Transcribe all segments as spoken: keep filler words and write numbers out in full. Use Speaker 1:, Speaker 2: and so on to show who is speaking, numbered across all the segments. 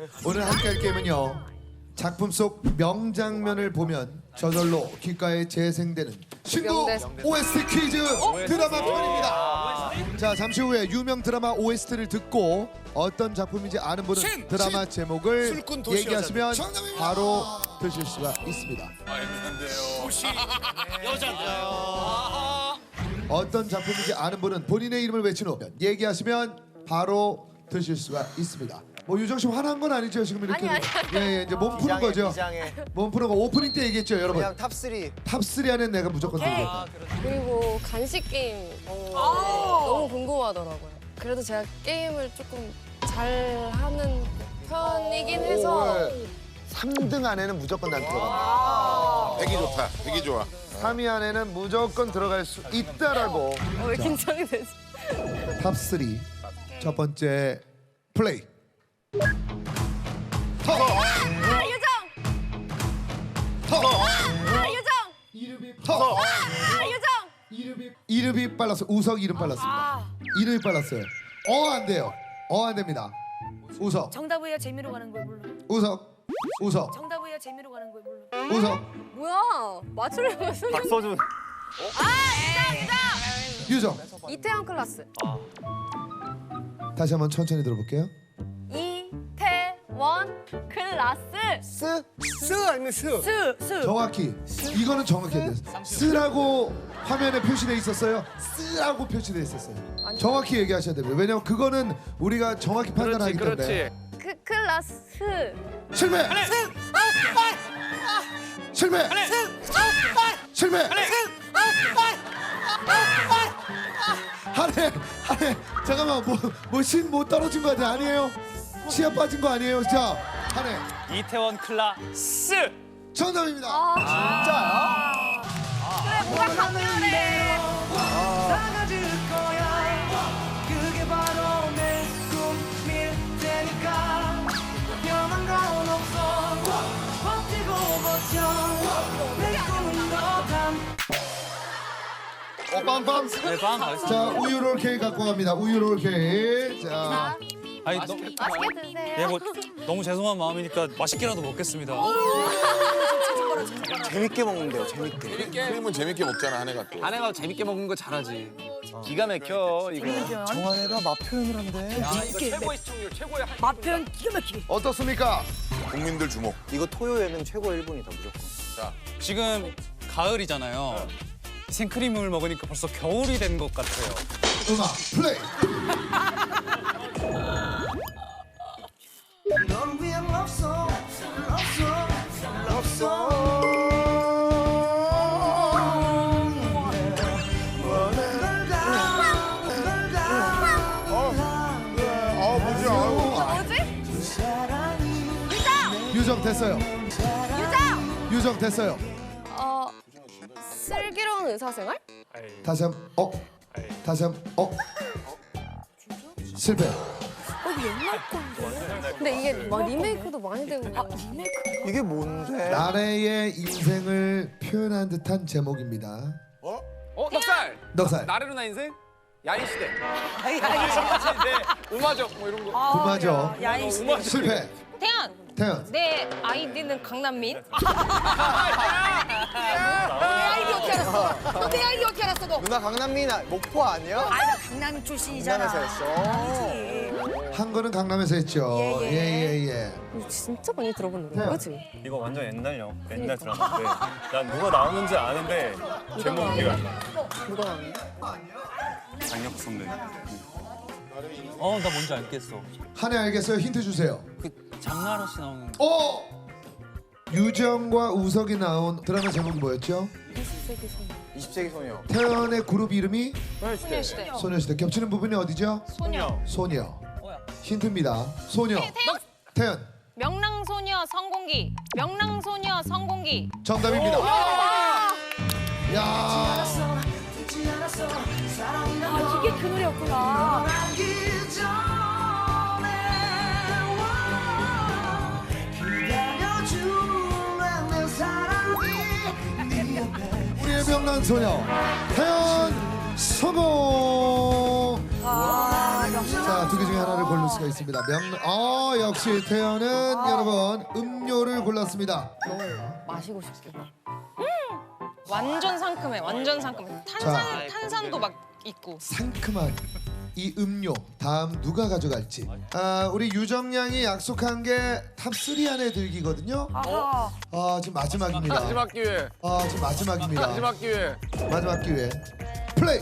Speaker 1: 오늘 함께할 게임은요. 작품 속 명장면을 보면 저절로 귓가에 재생되는 신곡 오에스티 퀴즈 드라마 편입니다. 자, 잠시 후에 유명 드라마 오에스티를 듣고 어떤 작품인지 아는 분은
Speaker 2: 신,
Speaker 1: 드라마
Speaker 2: 신.
Speaker 1: 제목을
Speaker 2: 술꾼 도시
Speaker 1: 얘기하시면
Speaker 2: 여자들.
Speaker 1: 바로 드실 수가 있습니다.
Speaker 2: 도시 여자인데요.
Speaker 1: 어떤 작품인지 아는 분은 본인의 이름을 외친 후 얘기하시면 바로 드실 수가 있습니다. 뭐 유정 씨 화난 건 아니죠 지금 이렇게?
Speaker 3: 아니, 아니, 아니.
Speaker 1: 예, 예, 이제 몸 푸는
Speaker 4: 비장해,
Speaker 1: 거죠.
Speaker 4: 비장해.
Speaker 1: 몸 푸는 거 오프닝 때 얘기했죠, 여러분.
Speaker 4: 그냥 탑쓰리.
Speaker 1: 탑쓰리 안에 내가 무조건 들겠다.
Speaker 3: 그리고 간식 게임 어, 너무 궁금하더라고요. 그래도 제가 게임을 조금 잘 하는 편이긴 해서
Speaker 1: 삼 등 안에는 무조건 난 들어간다.
Speaker 2: 되게 좋다. 되게 좋아.
Speaker 1: 삼 위 안에는 무조건 들어갈 수 있다라고.
Speaker 3: 어, 왜 긴장이 되지?
Speaker 1: 탑쓰리 첫 번째 플레이. 터.
Speaker 3: 아, 유정!
Speaker 1: 터.
Speaker 3: 아, 유정!
Speaker 1: 이름이 터.
Speaker 3: 아, 유정!
Speaker 1: 이름이 이름이 빨랐어. 우석 이름 빨랐습니다.
Speaker 3: 아,
Speaker 1: 이름이 빨랐어요. 어 안 돼요. 어 안 됩니다. 우석.
Speaker 5: 정답이에요. 재미로 가는 걸 몰라.
Speaker 1: 우석. 우석.
Speaker 5: 정답이에요. 재미로 가는 걸 몰라.
Speaker 1: 우석.
Speaker 3: 뭐야? 맞추려면 순
Speaker 4: 박서준.
Speaker 1: 유정.
Speaker 3: 이태원 클라스.
Speaker 1: 다시 한번 천천히 들어볼게요.
Speaker 3: 이태원 클라스.
Speaker 4: 스? 스 아니면 스?
Speaker 5: 스, 스.
Speaker 1: 정확히 이거는 정확히 해야 돼요. 쓰라고 화면에 표시돼 있었어요. 쓰라고 표시돼 있었어요. 정확히 얘기하셔야 됩니다. 왜냐면 그거는 우리가 정확히 판단하기 때문에.
Speaker 3: 그 클라스.
Speaker 1: 실패. 실패. 실패. 한해 한해 잠깐만 뭐뭐신 못 떨어진 거 아니야? 아니에요? 치아 빠진 거 아니에요? 자 한해
Speaker 6: 이태원 클라스.
Speaker 1: 정답입니다.
Speaker 3: 그래, 뭐가 강렬해.
Speaker 7: 사라질 거야 그게 바로 내 꿈일 테니까 변한 건 없어 버티고 버텨 내 꿈은 너담
Speaker 1: 어, 빰빰.
Speaker 6: 네, 빵 가겠습니다.
Speaker 1: 자 우유 롤 케이크 갖고 갑니다. 우유 롤 케이크. 자
Speaker 6: 아니, 너,
Speaker 3: 맛있게 드세요.
Speaker 6: 예, 뭐 너무 죄송한 마음이니까 맛있게라도 먹겠습니다.
Speaker 4: 재밌게 먹는데요. 재밌게.
Speaker 2: 게임은 재밌게 먹잖아 한해가 또.
Speaker 8: 아내가 재밌게 먹는 거 잘하지. 기가 막혀 이거.
Speaker 4: 정한이가 맛 표현을 한대.
Speaker 8: 이거 최고의 시청률, 최고의 한.
Speaker 5: 맛 표현 기가 막히게.
Speaker 1: 어떻습니까?
Speaker 2: 국민들 주목.
Speaker 4: 이거 토요 예능 최고 일 분이다 무조건.
Speaker 6: 지금 가을이잖아요. 생크림을 먹으니까 벌써 겨울이 된 것 같아요.
Speaker 1: 음악 플레이.
Speaker 7: 넌 위한 love song love song love song
Speaker 2: 아 뭐지? 아유.
Speaker 3: 뭐지?
Speaker 1: 유정 됐어요.
Speaker 3: 유정!
Speaker 1: 유정 됐어요.
Speaker 3: 어, 슬기로운 의사생활?
Speaker 1: 다시 한 어. 다시 한 어. 실패.
Speaker 3: 근데 이게 막 리메이크도 많이 되고. 아,
Speaker 5: 리메이크.
Speaker 4: 이게 뭔데?
Speaker 1: 나래의 인생을 표현한 듯한 제목입니다.
Speaker 2: 어?
Speaker 8: 어, 넉살.
Speaker 1: 넉살.
Speaker 8: 나르르나 인생? 야인 시대.
Speaker 5: 아이, 아이,
Speaker 8: 네, 음악적 뭐 이런 거.
Speaker 1: 구마죠.
Speaker 5: 야인 시대.
Speaker 8: 음악적.
Speaker 1: 실패.
Speaker 3: 태연!
Speaker 1: 태연.
Speaker 3: 내 아이디는 강남민?
Speaker 5: 내 아이디 어떻게 알았어? 내 아이디 어떻게 알았어, 너?
Speaker 4: 누나 강남민 아- 목포 아니야?
Speaker 5: 아니, 나 강남 출신이잖아.
Speaker 4: 강남에서 했어.
Speaker 5: 아니지.
Speaker 1: 한 거는 강남에서 했죠.
Speaker 5: 예, 예.
Speaker 1: 예예 예.
Speaker 3: 이거 진짜 많이 들어본 노래야,
Speaker 1: 태연.
Speaker 3: 그치?
Speaker 6: 이거 완전 옛날요. 옛날 드라마인데 난 누가 나오는지 아는데 제목 기억 안 나.
Speaker 3: 누가 나왔는데?
Speaker 6: 장혁 선배. 어, 나 뭔지 알겠어.
Speaker 1: 한해 알겠어요? 힌트 주세요.
Speaker 6: 그 장나라 씨 나오는.
Speaker 1: 오! 유정과 우석이 나온 드라마 제목이 뭐였죠?
Speaker 4: 이십 세기 소녀.
Speaker 1: 태연의 그룹 이름이
Speaker 3: 소녀시대.
Speaker 1: 소녀시대. 겹치는 부분이 어디죠?
Speaker 3: 소녀.
Speaker 1: 소녀. 힌트입니다. 소녀. 태연.
Speaker 3: 명랑소녀 성공기. 명랑소녀 성공기.
Speaker 1: 정답입니다. 야.
Speaker 5: 아, 이게 그 노래였구나.
Speaker 1: 우리의 명랑 소녀 태연 성공.
Speaker 5: 아,
Speaker 1: 자, 두 개 중에 하나를 고를 수가 있습니다. 그렇습니다. 명, 어 역시 태연은 여러분 음료를 골랐습니다.
Speaker 3: 마시고 싶게.
Speaker 9: 완전 상큼해. 완전 상큼해. 탄산 탄산도 막 있고.
Speaker 1: 상큼한 이 음료 다음 누가 가져갈지. 아 우리 유정양이 약속한 게 탑삼 안에 들기거든요.
Speaker 5: 아하.
Speaker 1: 아 지금 마지막입니다.
Speaker 8: 마지막 기회.
Speaker 1: 아 지금 마지막입니다.
Speaker 8: 마지막 기회.
Speaker 1: 마지막 기회. 플레이.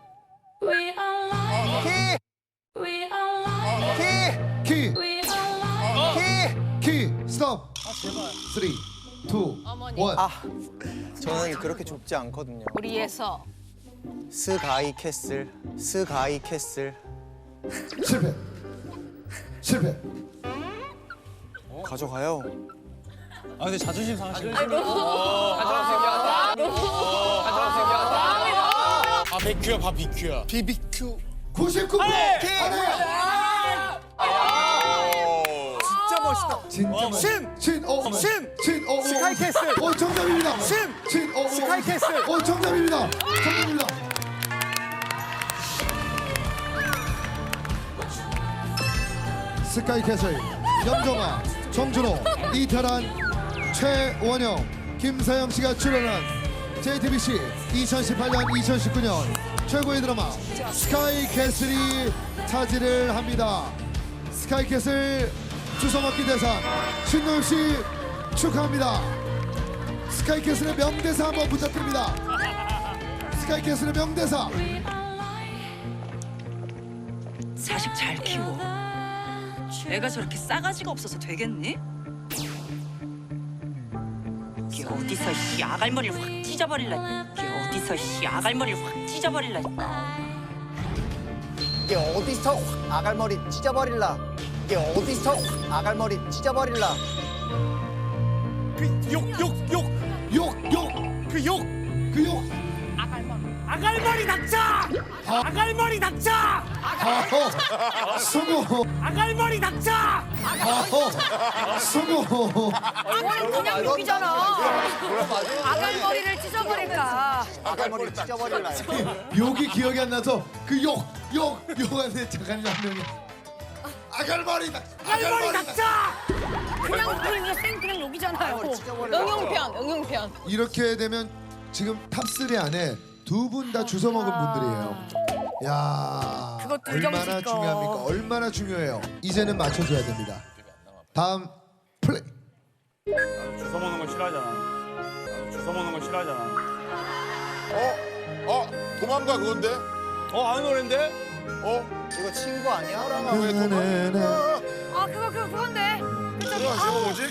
Speaker 4: 키!
Speaker 1: 키.
Speaker 4: 키!
Speaker 1: 키. 스톱. 쓰리, 투, 원.
Speaker 4: 아, 저는 그렇게 좁지 않거든요.
Speaker 5: 우리에서
Speaker 4: 스가이 캐슬, 스가이 캐슬.
Speaker 1: 실패. 실패.
Speaker 4: 가져가요.
Speaker 6: 아 근데 자존심 상하시네.
Speaker 8: 가져라 생겼다. 가져라 생겼다.
Speaker 2: 아 비큐야 봐 비큐야.
Speaker 4: 비비큐.
Speaker 1: 구십구 번. 안해.
Speaker 4: 진짜 멋있다.
Speaker 1: 진짜 많이.
Speaker 4: 신!
Speaker 1: 신! 어,
Speaker 4: 신!
Speaker 1: 신! 어, 어,
Speaker 4: 스카이캐슬!
Speaker 1: 어, 정답입니다.
Speaker 4: 신!
Speaker 1: 신! 어, 어,
Speaker 4: 스카이캐슬!
Speaker 1: 어, 정답입니다. 정답입니다. 스카이캐슬, 염정아, 정준호, 이태란, 최원영, 김사영 씨가 출연한 제이티비씨 이천십팔 년 이천십구 년 최고의 드라마 스카이캐슬이 차지를 합니다. 스카이캐슬 주워먹기 대상 신노엽 씨 축하합니다. 스카이캐슬의 명대사 한번 부탁드립니다. 스카이캐슬의 명대사.
Speaker 10: 자식 잘 키워. 애가 저렇게 싸가지가 없어서 되겠니? 이게 어디서 씨 아갈머리를 확 찢어버릴라. 이게 어디서 씨 아갈머리를 확 찢어버릴라.
Speaker 4: 이게 어디서 확 아갈머리 찢어버릴라. 이게 어디서 확 아갈머리 찢어버릴라.
Speaker 1: 욕욕욕욕욕그 욕.
Speaker 5: 아갈머리 닥쳐! 아갈머리 닥쳐!
Speaker 1: 아호 성공.
Speaker 5: 아갈머리 닥쳐!
Speaker 1: 아호 성공.
Speaker 5: 아갈머리 그냥 욕이잖아. 아갈머리를 찢어버릴까?
Speaker 4: 아갈머리 찢어버릴라.
Speaker 1: 욕이 기억이 안 나서 그 욕 욕 욕한테 작가님 한 명이 아갈머리다.
Speaker 5: 아갈머리 닥쳐! 그냥 그냥 생 그냥 욕이잖아요.
Speaker 9: 응용편, 응용편.
Speaker 1: 이렇게 되면 지금 탑삼 안에 두 분 다 주워 먹은 분들이에요. 야,
Speaker 5: 그것도
Speaker 1: 얼마나
Speaker 5: 이정식 거.
Speaker 1: 중요합니까? 얼마나 중요해요. 이제는 맞춰줘야 됩니다. 다음 플레이.
Speaker 11: 주워 먹는 거 싫어하잖아. 나도 주워 먹는 거 싫어하잖아.
Speaker 2: 어? 어? 도망가 그건데?
Speaker 8: 어 아는 노래인데?
Speaker 2: 어?
Speaker 4: 이거 친구 아니야?
Speaker 2: 사랑아 왜 도망가?
Speaker 5: 아 그거 그거 그건데.
Speaker 2: 그래 지금 뭐지?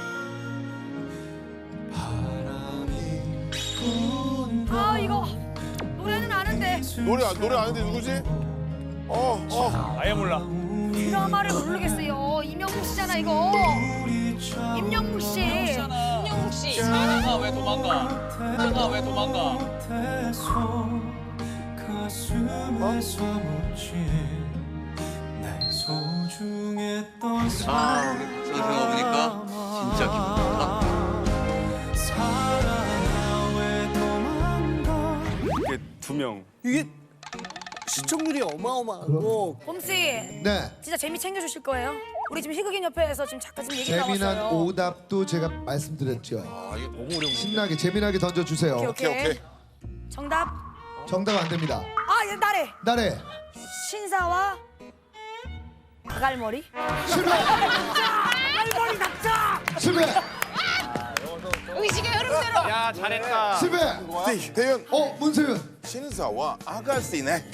Speaker 5: 아 이거 노래는 아는데
Speaker 2: 노래 안- 노래 아는데 누구지? 어 어.
Speaker 11: 아예 몰라.
Speaker 5: 드라마를 모르겠어요. 임영웅 씨잖아 이거. 임영웅 씨.
Speaker 9: 임영웅 씨.
Speaker 6: 사랑아 왜 도망가? 사랑아 왜 도망가?
Speaker 8: 아 우리 선수가 보니까 진짜 기분 좋다.
Speaker 11: 이게 두 명.
Speaker 4: 이게 시청률이 어마어마하고.
Speaker 5: 봄씨
Speaker 1: 네.
Speaker 5: 진짜 재미 챙겨주실 거예요? 우리 지금 희극인 협회에서 지금 잠깐 지금 얘기
Speaker 1: 재미난
Speaker 5: 나왔어요.
Speaker 1: 오답도 제가 말씀드렸죠.
Speaker 2: 아 이게 너무 어려운
Speaker 1: 신나게 재미나게 던져주세요.
Speaker 5: 오케이,
Speaker 2: 오케이 오케이.
Speaker 5: 정답.
Speaker 1: 정답 안 됩니다.
Speaker 5: 아 얘 나래.
Speaker 1: 나래
Speaker 5: 신사와 아갈머리.
Speaker 1: 실패.
Speaker 5: 아갈머리 닥쳐.
Speaker 1: 실패.
Speaker 9: 의식의 흐름대로.
Speaker 11: 야 잘했다.
Speaker 1: 실패.
Speaker 2: 대- 대현
Speaker 1: 어 문세윤
Speaker 2: 신사와 아가씨네.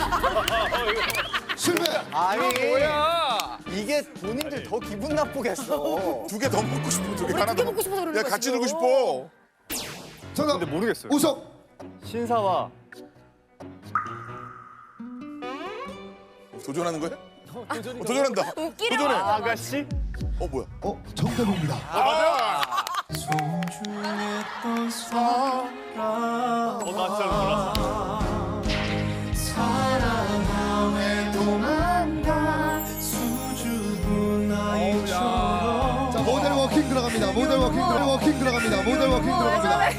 Speaker 1: 실패.
Speaker 4: 아니
Speaker 8: 뭐야?
Speaker 4: 이게 본인들 더 기분 나쁘겠어.
Speaker 2: 두 개 더 먹고 싶어. 두 개
Speaker 5: 우리
Speaker 2: 하나
Speaker 5: 두개
Speaker 2: 더
Speaker 5: 먹고 싶어서 그러는
Speaker 2: 야
Speaker 5: 거지,
Speaker 2: 같이
Speaker 5: 지금.
Speaker 2: 놀고 싶어.
Speaker 1: 정답.
Speaker 11: 근데 모르겠어요.
Speaker 1: 우석.
Speaker 11: 신사와
Speaker 2: 도전하는 거야? 어, 도전한다.
Speaker 9: 웃기려.
Speaker 2: 도전해.
Speaker 11: 아가씨?
Speaker 2: 어 뭐야?
Speaker 1: 어 정답입니다.
Speaker 2: 아
Speaker 11: 어, 나 진짜 몰랐어.
Speaker 1: 자 모델 워킹 들어갑니다. 모델 워킹 들어 워킹 들어갑니다. 모델 워킹 들어갑니다.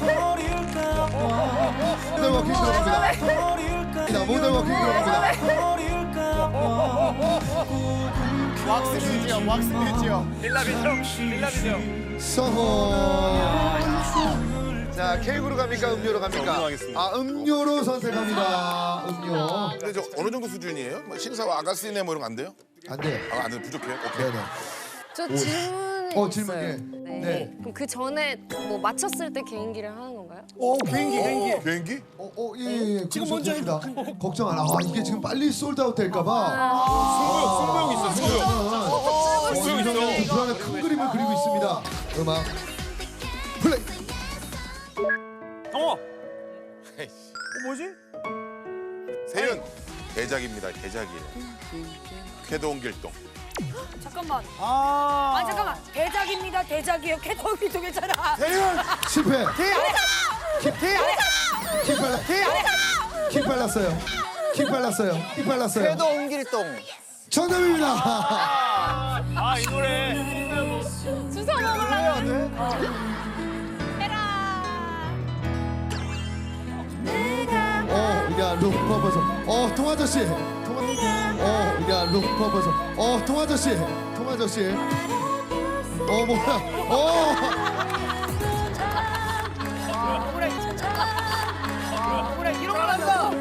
Speaker 1: 모델 워킹 들어갑니다. 모델 워킹 들어갑니다.
Speaker 2: 왁스 뮤지엄, 왁스 뮤지엄.
Speaker 8: 빌라비죠? 빌라비죠?
Speaker 1: 성공. 자, 케이크로 갑니까? 음료로 갑니까?
Speaker 2: 성공하겠습니다.
Speaker 1: 아, 음료로 선택합니다. 음료.
Speaker 2: 근데 저 어느 정도 수준이에요? 뭐 신사와 아가씨네 뭐 이런 거 안 돼요?
Speaker 1: 안 돼요.
Speaker 2: 아, 안 돼요. 부족해. 오케이.
Speaker 1: 네네.
Speaker 3: 저 질문이
Speaker 1: 어, 질문,
Speaker 3: 있어요.
Speaker 1: 예.
Speaker 3: 네.
Speaker 1: 네.
Speaker 3: 그럼 그 전에 뭐 맞췄을 때 개인기를 하는 건가요?
Speaker 1: 오, 비행기, 비행기.
Speaker 2: 비행기?
Speaker 1: 어, 어, 예, 예, 예. 지금 먼저 합니다. 걱정 안 하. 아, 이게 지금 빨리 솔드아웃 될까봐.
Speaker 11: 승부욕, 승부욕 있어, 승부욕.
Speaker 1: 승부욕 있어. 불안한 큰 그림을 그리고 있습니다. 음악 플레이.
Speaker 11: 어. 뭐지?
Speaker 2: 세윤 대작입니다. 대작이에요. 쾌동길동.
Speaker 5: 잠깐만. 아. 아 잠깐만. 대작입니다. 대작이에요. 캐터비도 괜찮아.
Speaker 2: 세윤
Speaker 1: 실패. 킥, 킥 빨라. 킥 빨랐어요. 킥 빨랐어요. 킥 빨랐어요.
Speaker 4: 궤도 옮길동.
Speaker 1: 정답입니다.
Speaker 11: 아, 이 노래.
Speaker 3: 주워 먹으려고.
Speaker 1: 어, 야, 룩 퍼버서. 어, 통아저씨. 통아. 어, 야, 룩 퍼버서. 어, 통아저씨. 통아저씨. 어, 뭐야. 어.
Speaker 5: 뭐라 뭐라 이런 거 한다.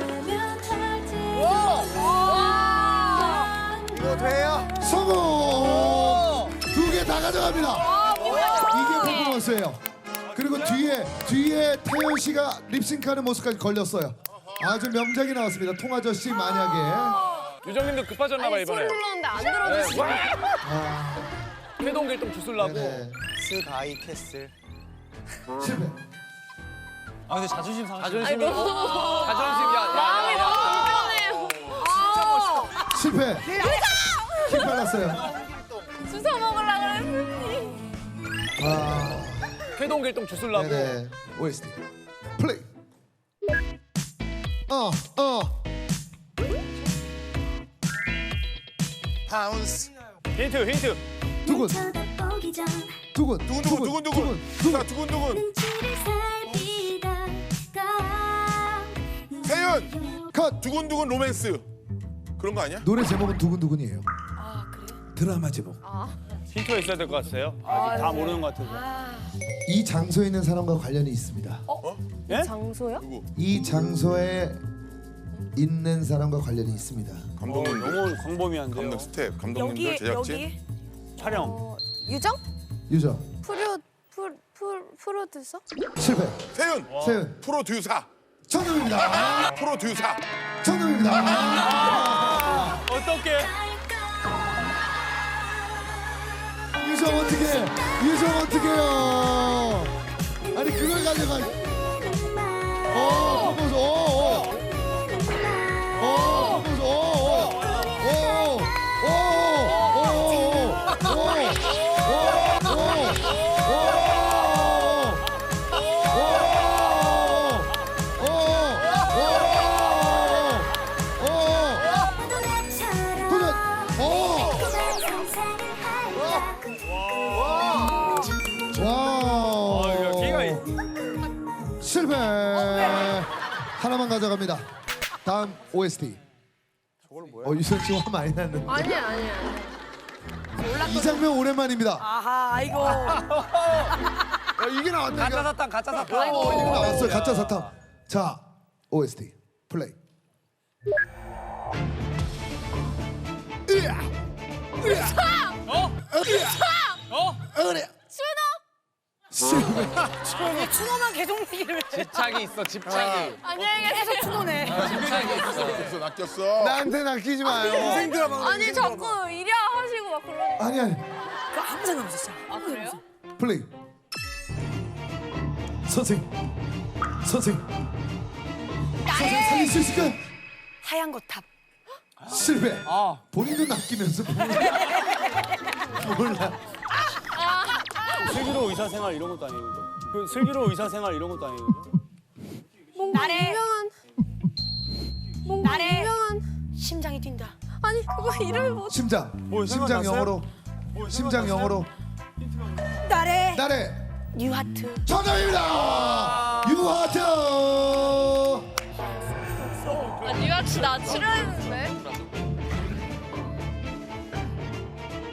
Speaker 4: 이거 돼요?
Speaker 1: 성공! 두 개 다 가져갑니다. 이게 퍼포먼스예요. 그리고 뒤에 뒤에 태연 씨가 립싱크하는 모습까지 걸렸어요. 아주 명작이 나왔습니다. 통아저씨 만약에.
Speaker 8: 유정님도 급하셨나 봐
Speaker 3: 아니 소리
Speaker 8: 이번에.
Speaker 3: 불렀는데 안 들어주시고.
Speaker 8: 회동길동 주술라고.
Speaker 1: 네네.
Speaker 4: 스가이 캐슬.
Speaker 1: 실패.
Speaker 6: 아 근데 자존심 상하시.
Speaker 8: 자존심이.
Speaker 3: 너무
Speaker 8: 자존심 야.
Speaker 3: 마음이
Speaker 8: 야, 야, 야.
Speaker 3: 너무 불편해요.
Speaker 1: 실패. 킥 발랐어요.
Speaker 3: 주워 먹으려고 그랬더니.
Speaker 1: 아,
Speaker 8: 회동길동 주술라고.
Speaker 1: 네네. 오에스티 플레이. 어, 어.
Speaker 2: 파운스.
Speaker 11: 힌트, 힌트.
Speaker 1: 두근. 두근.
Speaker 2: 두근두근 두근두근. 자, 두근두근. 세윤
Speaker 1: 컷.
Speaker 2: 두근두근 로맨스. 그런 거 아니야?
Speaker 1: 노래 제목은 두근두근이에요.
Speaker 5: 아 그래?
Speaker 1: 드라마 제목.
Speaker 11: 힌트가 있어야 될 것 같아요. 아직 다 모르는 것 같아서.
Speaker 1: 이 장소에 있는 사람과 관련이 있습니다.
Speaker 11: 예?
Speaker 3: 장소요?
Speaker 1: 이 장소에 있는 사람과 관련이 있습니다.
Speaker 11: 어,
Speaker 2: 감독님들,
Speaker 11: 너무 광범위한데요.
Speaker 2: 감독 스텝, 감독님들,
Speaker 5: 여기
Speaker 2: 제작진.
Speaker 5: 여기
Speaker 11: 촬영.
Speaker 3: 어, 유정?
Speaker 1: 유저
Speaker 3: 프로 프로 프로 프로듀서?
Speaker 1: 실패.
Speaker 2: 세윤
Speaker 1: 세윤
Speaker 2: 프로듀사.
Speaker 1: 정답입니다.
Speaker 2: 프로듀사.
Speaker 1: 정답입니다.
Speaker 11: 어떻게?
Speaker 1: 유정 어떻게? 유정 어떻게요? 아니 그걸 가져가. 어, proposer. 어, 어. 어, proposer. 어, 어. 어, 어. 어, 어. 어, 와.
Speaker 11: 기가 있.
Speaker 1: 실패. 하나만 가져갑니다. 다음 오에스티. 어, 유선 씨 화 많이 났는데.
Speaker 3: 아니야 아니야.
Speaker 1: 이 장면 오랜만입니다.
Speaker 5: 아하 아이고.
Speaker 1: 야, 이게 나왔네.
Speaker 8: 가짜 사탕 가짜 사탕.
Speaker 1: 어, 이게 나왔어요. 가짜 사탕. 자, 오에스티 플레이. 으아! 으아!
Speaker 6: 어? 어?
Speaker 1: 그래. 실패.
Speaker 5: 왜 추노만 계속 얘기를 해?
Speaker 8: 집착이 있어 집착이.
Speaker 3: 안녕히 계세요.
Speaker 5: 계속 추노네.
Speaker 8: 집착이 있어.
Speaker 2: 낚였어, 낚였어.
Speaker 1: 나한테 낚이지 마요.
Speaker 3: 아니 자꾸 이랴 하시고 막 그러는.
Speaker 1: 아니 아니.
Speaker 5: 그 아무 생각 없었어.
Speaker 3: 아 그래요?
Speaker 1: 플레이. 선생. 선생. 선생 살릴 수 있을까?
Speaker 5: 하얀 거탑.
Speaker 1: 실패.
Speaker 6: 아
Speaker 1: 본인도 낚이면서 몰라.
Speaker 11: 슬기로운 의사생활 이런 것도 아니고. 그 슬기로운 의사생활 이런 것도 아니고.
Speaker 3: 뭔가
Speaker 5: 나래.
Speaker 3: 유명한. 뭔가
Speaker 5: 나래.
Speaker 3: 유명한.
Speaker 5: 심장이 뛴다.
Speaker 3: 아니 그거 이름을 못.
Speaker 1: 심장.
Speaker 11: 뭐,
Speaker 1: 심장
Speaker 11: 생각났어요?
Speaker 1: 영어로. 심장 영어로.
Speaker 5: 나래.
Speaker 1: 나래.
Speaker 5: 뉴하트.
Speaker 1: 정답입니다. 유하트.
Speaker 3: 아 뉴학 씨나 출연했는데.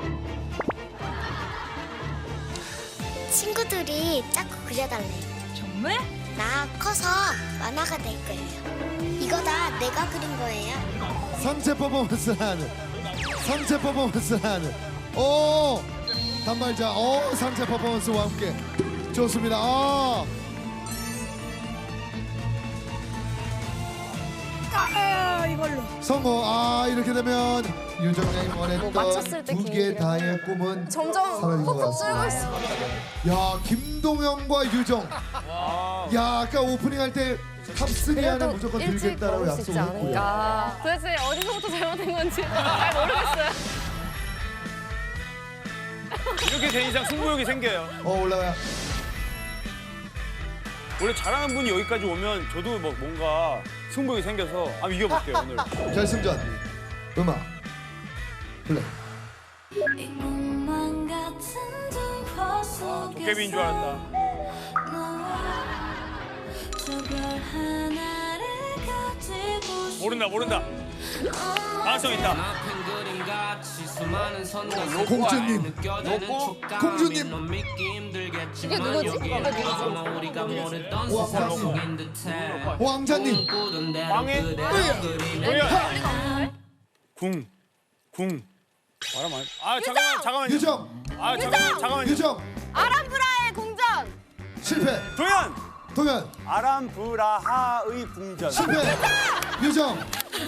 Speaker 12: 친구들이 자꾸 그려달래.
Speaker 5: 정말?
Speaker 12: 나 커서 만화가 될 거예요. 이거 다 내가 그린 거예요.
Speaker 1: 상체 퍼포먼스를 하는 상체 퍼포먼스를 하는 오 단발자 오 상체 퍼포먼스와 함께 좋습니다. 아.
Speaker 5: 아, 이걸로.
Speaker 1: 성공. 아 이렇게 되면 유정양이 원했던
Speaker 3: 맞췄을 때
Speaker 1: 두 개
Speaker 3: 기분이
Speaker 1: 다의 꿈은
Speaker 3: 점점
Speaker 1: 사라진 것
Speaker 3: 퍽퍽 줄고
Speaker 1: 같습니다.
Speaker 3: 있어.
Speaker 1: 야 김동현과 유정. 야 아까 오프닝 할 때 탑쓰리 안에
Speaker 3: 그래도
Speaker 1: 무조건
Speaker 3: 일찍
Speaker 1: 들겠다라고
Speaker 3: 먹을 수 있지
Speaker 1: 약속을 했고요.
Speaker 3: 않을까. 도대체 어디서부터 잘못된 건지 잘 모르겠어요.
Speaker 11: 이렇게 된 이상 승부욕이 생겨요.
Speaker 1: 어 올라가요.
Speaker 11: 원래 잘하는 분이 여기까지 오면 저도 뭐 뭔가 승부욕이 생겨서 한번 이겨볼게요 오늘.
Speaker 1: 결승전 음악 플레이.
Speaker 11: 아, 도깨비인 줄 알았다. 모른다 모른다. 가능성 있다.
Speaker 1: 공주님. 공주님.
Speaker 3: 이게 누구지? 이게 누구지?
Speaker 1: 왕자님.
Speaker 11: 왕의 뭐야? 궁, 궁. 말아 말. 아 잠깐만 잠깐만.
Speaker 1: 유정.
Speaker 11: 아 잠깐만 잠깐만.
Speaker 1: 유정.
Speaker 3: 아람브라의 공전.
Speaker 1: 실패.
Speaker 11: 도현.
Speaker 1: 동현.
Speaker 11: 아람브라하의 궁전.
Speaker 1: 실패. 유정.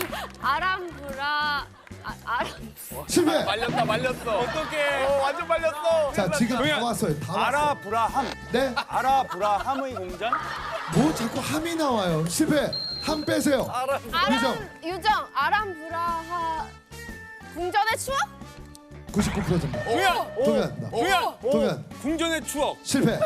Speaker 3: 아람브라 아, 아람
Speaker 1: 실패.
Speaker 11: 말렸다 말렸어. 어떡해. 어, 완전 말렸어.
Speaker 1: 자 지금 다
Speaker 11: 동현.
Speaker 1: 왔어요. 다 왔어요.
Speaker 11: 아라브라함.
Speaker 1: 네.
Speaker 11: 아라브라함의 궁전.
Speaker 1: 뭐 자꾸 함이 나와요. 실패. 함 빼세요. 유정.
Speaker 3: 아람 유정 아람브라하 궁전의 추억?
Speaker 1: 구십구 퍼센트입니다.
Speaker 11: 동현.
Speaker 1: 동현.
Speaker 11: 동현.
Speaker 1: 동현.
Speaker 11: 궁전의 추억.
Speaker 1: 실패.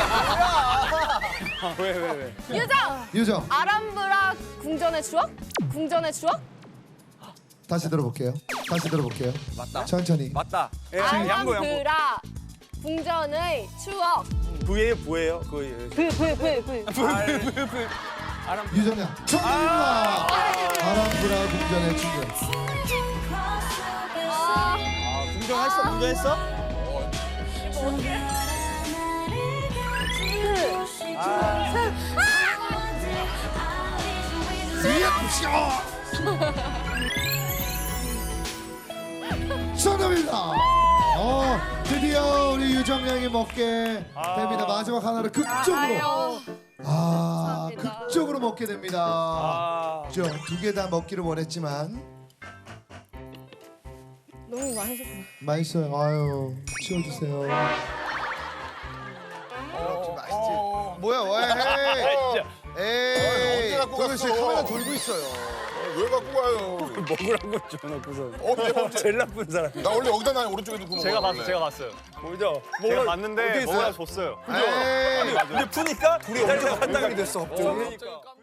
Speaker 11: 왜 왜 왜?
Speaker 3: 유정
Speaker 1: 유정.
Speaker 3: 아람브라 궁전의 추억? 궁전의 추억?
Speaker 1: 다시 들어볼게요. 다시 들어볼게요.
Speaker 11: 맞다.
Speaker 1: 천천히.
Speaker 11: 맞다. 예, 양보 양보.
Speaker 3: 아람브라 궁전의 추억.
Speaker 11: 부예요 부예요. 그
Speaker 3: 브브브브
Speaker 1: 유정양. 정답입니다. 아람브라 궁전의 충전.
Speaker 4: 궁정했어? 궁정했어?
Speaker 1: 정답입니다. 어, 드디어 우리 유정양이 먹게 됩니다. 마지막 하나를 극적으로. 아,
Speaker 3: 감사합니다.
Speaker 1: 극적으로 먹게 됩니다.
Speaker 11: 아.
Speaker 1: 그죠? 두 개 다 먹기를 원했지만
Speaker 3: 너무 맛있었어요.
Speaker 1: 맛있어요. 아유, 치워주세요.
Speaker 2: 어, 뭐야 왜? 에이.
Speaker 4: 언제 갖고
Speaker 2: 도현 씨
Speaker 4: 갔어?
Speaker 2: 카메라 돌고 있어요. 왜 갖고 가요?
Speaker 11: 먹으라고 줘놓고서.
Speaker 2: 언제 언제?
Speaker 11: 제일 나쁜 사람.
Speaker 2: 나 원래 여기다 나 오른쪽에 두고
Speaker 8: 제가
Speaker 2: 먹어야
Speaker 8: 봤어요. 제가 봤어요.
Speaker 11: 뭐죠?
Speaker 8: 제가 봤는데
Speaker 2: 어디 있어요?
Speaker 8: 뭐가 줬어요.
Speaker 2: 에이.
Speaker 11: 근데 푸니까
Speaker 2: 둘이 언제 갑자기 됐어 갑자기?
Speaker 11: 그러니까.